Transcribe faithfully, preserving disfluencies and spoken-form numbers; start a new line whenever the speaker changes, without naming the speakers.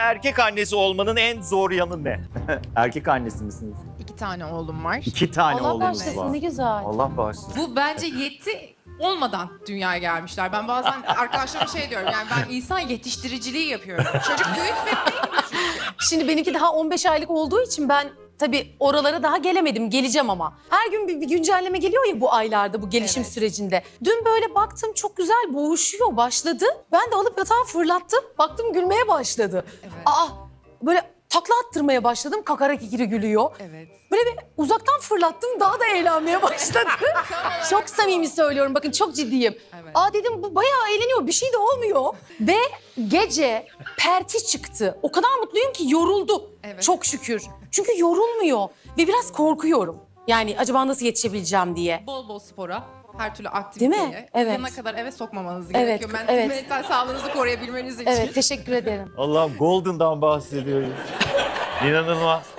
Erkek annesi olmanın en zor yanı ne? Erkek annesi misiniz?
İki tane oğlum var.
İki tane
Allah
oğlunuz
bağışlasın,
var.
ne güzel.
Allah bağışlasın.
Bu bence yetti olmadan dünyaya gelmişler. Ben bazen arkadaşlarıma şey diyorum, yani ben insan yetiştiriciliği yapıyorum. Çocuk büyütmek değil mi çünkü?
Şimdi benimki daha on beş aylık olduğu için ben tabii oralara daha gelemedim. Geleceğim ama. Her gün bir, bir güncelleme geliyor ya bu aylarda, bu gelişim
Evet.
sürecinde. Dün böyle baktım çok güzel boğuşuyor, başladı. Ben de alıp yatağa fırlattım. Baktım gülmeye başladı.
Evet.
Aa, böyle takla attırmaya başladım. Kakara kikiri gülüyor.
Evet.
Böyle bir uzaktan fırlattım, daha da eğlenmeye başladı. Çok samimi söylüyorum, bakın çok ciddiyim.
Evet.
Aa dedim, bu bayağı eğleniyor, bir şey de olmuyor. Ve gece perti çıktı. O kadar mutluyum ki yoruldu.
Evet.
Çok şükür. Çünkü yorulmuyor ve biraz korkuyorum. Yani acaba nasıl yetişebileceğim diye.
Bol bol spora, her türlü aktiviteye.
Değil mi? Evet.
Yanına kadar eve sokmamanız
Evet,
gerekiyor. Ben
evet.
mental sağlığınızı koruyabilmeniz için.
Evet, teşekkür ederim.
Allah'ım Golden'dan bahsediyoruz. İnanılmaz.